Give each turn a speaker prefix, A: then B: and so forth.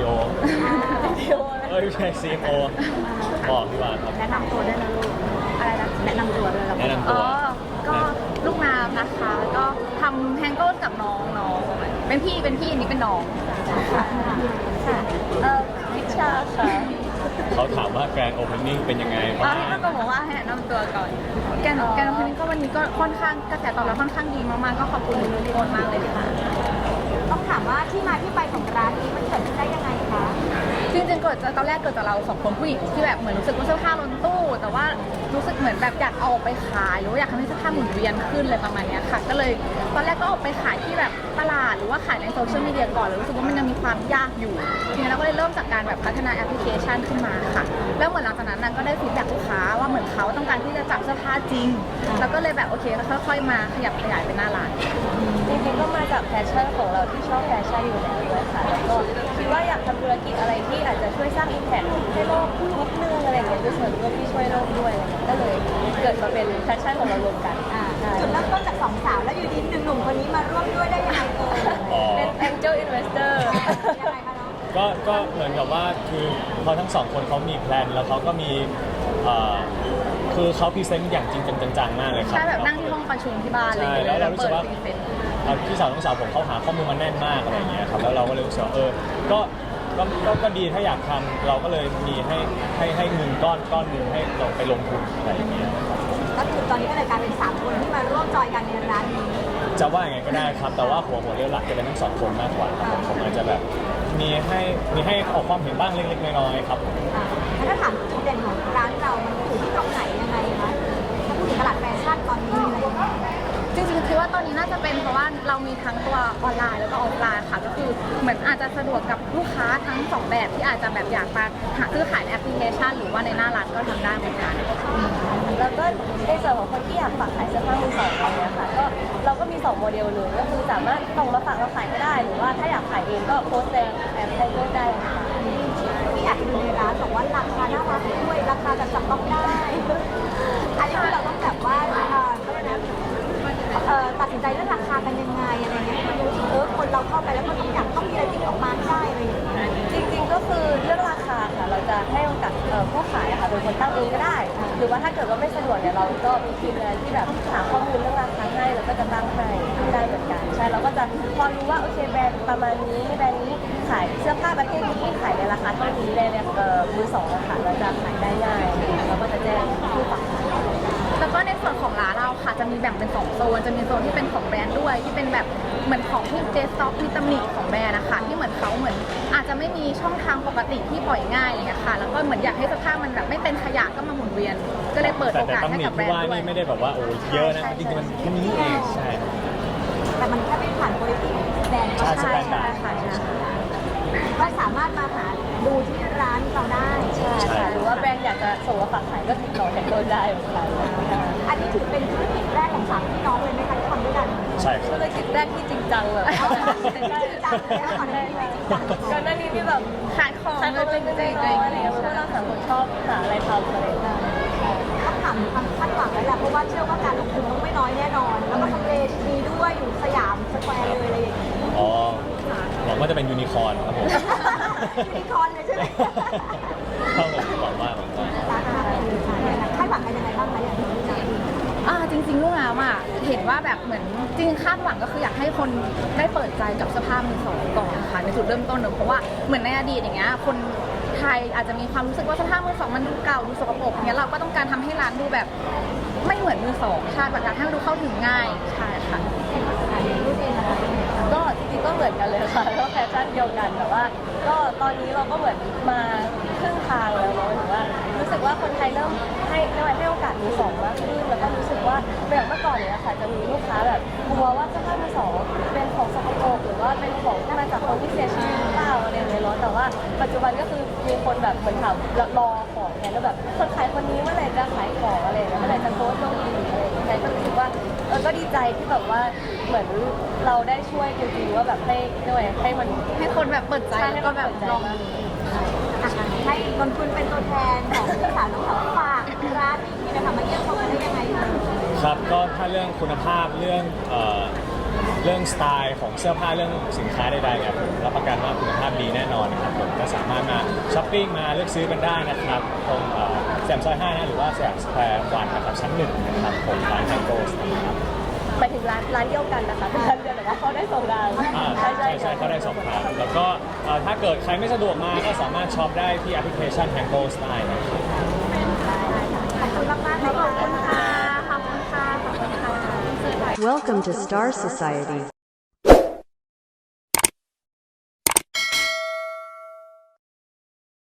A: CEO ไม่ใช่ CMO บอกพี่วานครับ
B: แนะนำตัวด้วยนะลูกอะไรนะแนะนำตัวด้วยครับ
A: แนะนำตัว
B: ก็ลูกน้ำนะคะแล้วก็ทำแฮงเกิลกับน้องเป็นพี่อันนี้เป็นน้องค่ะพิชชาค่ะ
A: เขาถามว่าแกรนด์โอเพนนิ่งเป็นยังไงบ้าง
B: ที่ต้องบอกว่าให้แนะนำตัวก่อนแกนโอเพนนิ่งก็วันนี้ก็ค่อนข้างกระแสตอบรับค่อนข้างดีมากๆก็ขอบคุณทุกคนมากเลยค่ะต้องถามว่าที่มาที่ไปของร้านนี้มันเกิดขึ้นได้ยังไงคะจริงๆเกิดตอนแรกเกิดจากเราสองคนผู้หญิงที่แบบเหมือนรู้สึกว่าเสื้อผ้าล้นตู้แต่ว่ารู้สึกเหมือนแบบอยากเอาออกไปขายหรือว่าอยากทำให้เสื้อผ้าหมุนเวียนขึ้นเลยประมาณนี้ค่ะก็เลยตอนแรกก็ออกไปขายที่แบบตลาดหรือว่าขายในโซเชียลมีเดียก่อนแล้วรู้สึกว่ามันยังมีความยากอยู่ทีนี้เราก็เลยเริ่มจากการแบบพัฒนาแอปพลิเคชันขึ้นมาค่ะแล้วเหมือนหลังจากนั้นก็ได้ฟีดแบ็กลูกค้าว่าเหมือนเขาต้องการที่จะจับเสื้อผ้าจริงแล้วก็เลยแบบโอเคค่อยๆมาขยับขยายเป็นหน้าร้าน
C: จริงๆก็มาจากแพชชั่นของเราที่ชอบแฟชั่นอยู่แล้วด้วยค่ะแล้วก็คิดว่าอยากทำธุรกิจอะไรที่อาจจะช่วยสร้างอิมแพคให้โลกนิดนึงอะไรอย่างเงี้ยด้วยส่วนร่วมที่ช่วยโลกด้วยก็เลยเกิดมาเป็นแพชชั่นของเรารวมกัน
B: จุดเริ่มต้นจากสองสาวแล้วอยู่ดีหนุ่มคนนี้มาร่วมด้วยได้ยังไง
C: เป็น Angel Investor
B: ยังไงคะน้อง
A: ก็เหมือนกับว่าคือพอทั้งสองคนเขามีแพลนแล้วเขาก็มีคือเขาพรีเซนต์อย่างจริงจังมากเลยครับ
B: ใช่แบบนั่งที่ห้องประชุมที่บ้านเลย
A: ใช่แล้วเรารู้สึกว่าพี่สาวน้องสาวผมเขาหาข้อมูลมาแน่นมากอะไรอย่างเงี้ยครับแล้วเราก็เลยรู้สึกว่าก็ดีถ้าอยากทำเราก็เลยมีให้เงินก้อนหนึงให้เราไปลงทุนอะไรอย่างเงี้ย
B: ก็คือตอนนี้ก็เลยกลายเป็น3คนที่มาร่วมจอยกันในร้านนี้
A: จะว่าอย่างไงก็ได้ครับแต่ว่าหัวเรี่ยวหลักจะเป็นทั้งสองคนมากกว่าครับผมอาจจะแบบมีให้ออกความเห็นบ้างเล็กๆน้อยๆครับ
B: แล้วถ้าถามจุดเด่นของร้านเรามันอยู่ที่ตรงไหนยังไงคะถ้าพูดถึงตลาดแฟชั่นตอนนี้อะไรอย่างเงี้ยจริงๆคิดว่าตอนนี้น่าจะเป็นเพราะว่าเรามีทั้งตัวออนไลน์แล้วก็ออฟไลน์ค่ะก็คือเหมือนอาจจะสะดวกกับลูกค้าทั้ง2แบบที่อาจจะแบบอยากมาหาซื้อขายในแอปพลิเคชันหรือว่าในหน้าร้านก็ทำได้เหมือนกัน
C: แล้วก็ในส่วนของคนที่อยากฝากขายเสื้อผ้ามือสองอะไรเงี้ยค่ะก็เราก็มี2โมเดลเลยก็คือสามารถส่งมาฝากเราขายก็ได้หรือว่าถ้าอยากขายเองก็โพสต์ในแอปได้ด้วยได้ค่ะ
B: ที่อยากดูในร้านบอกว่าราคาน่ารักด้วยราคาแบบจับต้องได้อันนี้เราต้องแบบว่าตัดสินใจเรื่องราคากันยังไงอะไรเงี้ยคนเราเข้าไปแล้วก็ต้องมีอะไรติดออกมาได้อะไรอย่างเงี้ย
C: จริงๆก็คือเรื่องราคาค่ะเราจะให้โอกาสผู้ขายค่ะเป็นคนตั้งเองก็ได้หรือว่าถ้าเกิดว่าไม่สะดวกเนี่ยเราก็มีทีมงานที่แบบหาข้อมูลเรื่องราคาให้แล้วก็จะตั้งให้ได้เหมือนกันใช่เราก็จะพอรู้ว่าโอเคแบรนด์ประมาณนี้แบรนด์นี้ขายเสื้อผ้าประเภทนี้ขายในราคาเท่านี้ในมือสองค่ะเราจะขายได้ง่ายเราก็จะแจ้งผู้ฝาก
B: แล้วก็ในส่วนของร้านเราค่ะจะมีแบ่งเป็น2โซนจะมีโซนที่เป็นของแบรนด์ด้วยที่เป็นแบบเหมือนของที่เจสต็อกมีตำหนิของแบรนด์นะคะที่เหมือนเขาอาจจะไม่มีช่องทางปกติที่ปล่อยง่ายอะไรอย่างเงี้ยค่ะแล้วก็เหมือนอยากให้เสื้อผ้ามันแบบไม่เป็นขยะก็มาหมุนเวียนก็เลยเปิดโอกาสให้กับแบรนด์ด้วย
A: แต่ตำหนิที่ว่านี่ไม่ได้แบบว่าโอ้เยอะนะจริงๆมันแค่นี้เองใช่
B: แต่มันแค่ไม่ผ่านโปรตีนแบรนด์ก็ใช่ค่ะก็สามารถมาหาดูที่ร้านเราได้
C: ใช่ค่ะหรือว่าแบรนด์อยากจะส่งมาฝากขายก็ติดต่อแทนตัวได้เหมือนกัน
B: อันนี้ถือเป็นธุรกิจแรกของ3พี่น้องเลยไหมคะที่ทำด้วยกัน
A: ใช่
C: ธุรกิจแรกที่จริงจังแบบ
B: จริงจังเลยก่อนหน้านี้ไม่จริงจัง
C: ก่อนหน้านี้ที่แบบ
B: ขายของ
C: จริงอะไรเพราะเราสามคนชอบหาอะไรทำอะไร
B: ต้องถามความคาดหวังแล้วแหละเพราะว่าเชื่อว่าการลงทุนต้องไม่น้อยแน่นอนแล้วก็ทำเลดีด้วยอยู่สยามสแควร์เลยอะไรอย่างเงี้ย
A: อ๋อหวังว่าจะเป็นยูนิคอร์นครับผม
B: ยูนิคอร์นเลยใช่ไหม
A: ครับผมหวังว่า
B: คาดหวังกันยังไงบ้างคะอย่างที่จริงๆลูกน้ำเห็นว่าแบบเหมือนจริงคาดหวังก็คืออยากให้คนได้เปิดใจกับสภาพมือสองก่อนค่ะในจุดเริ่มต้นเพราะว่าเหมือนในอดีตอย่างเงี้ยคนไทยอาจจะมีความรู้สึกว่าสภาพมือสองมันดูเก่าดูสกปรกเนี้ยเราก็ต้องการทำให้ร้านดูแบบไม่เหมือนมือสองใช่แบบการให้มันดูเข้าถึงง่ายใช่ค่ะ
C: ก็จริงๆก็เหมือนกันเลยค่ะก็แฟชั่นเดียวกันแต่ว่าก็ตอนนี้เราก็เหมือนมาครึ่งทางแล้วเนาะถือว่ารู้สึกว่าคนไทยเริ่มให้โอกาสมือสองมากขึ้นแล้วก็รู้สึกว่าแบบเมื่อก่อนเนี่ยค่ะจะมีลูกค้าแบบกลัวว่าเสื้อผ้ามือสองเป็นของสกปรกหรือว่าเป็นของที่มาจากคนที่เสียชีวิตหรือเปล่าอะไรอย่างเงี้ยเนาะแต่ว่าปัจจุบันก็คือมีคนแบบเหมือนถามรอของแทนแล้วแบบคนขายคนนี้เมื่อไหร่จะขายของอะไรเมื่อไหร่จะโพสต์ลงอีกอะไรอย่างเงี้ยก็รู้สึกว่าก็ดีใจที่แบบว่าเหมือนเราได้ช่วยจริงๆว่าแบบให้มัน
B: ให้คนแบบเปิดใจแล้วก็แบบลองให้นนคุณเป็นตัวแทนของพี่สาวน้องสาวฝากร้านนี้นะคะมาเยี่ยมชมกันได้ยังไงคะ
A: ครับก็ถ้าเรื่องคุณภาพเรื่องเรื่องสไตล์ของเสื้อผ้าเรื่องสินค้าใดๆเนี่ยผมรับประกันว่าคุณภาพดีแน่นอนนะครับผมก็สามารถมาช้อปปิ้งมาเลือกซื้อกันได้นะครับตรงสยามซอย5นะหรือว่าสยามสแควร์วันนะครับชั้น1นะครับผมร้านแฮงโกสนะครับ
C: ไปถึงร้านเดียวกันนะคะเป็นร้านเดียวแต่ว่าเขาได้ส่งดาว
A: ใช่เขาได้2ทางแล้วก็ถ้าเกิดใครไม่สะดวกมาก็สามารถช็อปได้ที่แอปพลิเคชัน Hango Style นะครับ
B: ขอบคุณมากๆเลยขอบคุณค่ะขอบคุณค่ะขอบคุณค่ะ
D: Welcome to Star Society.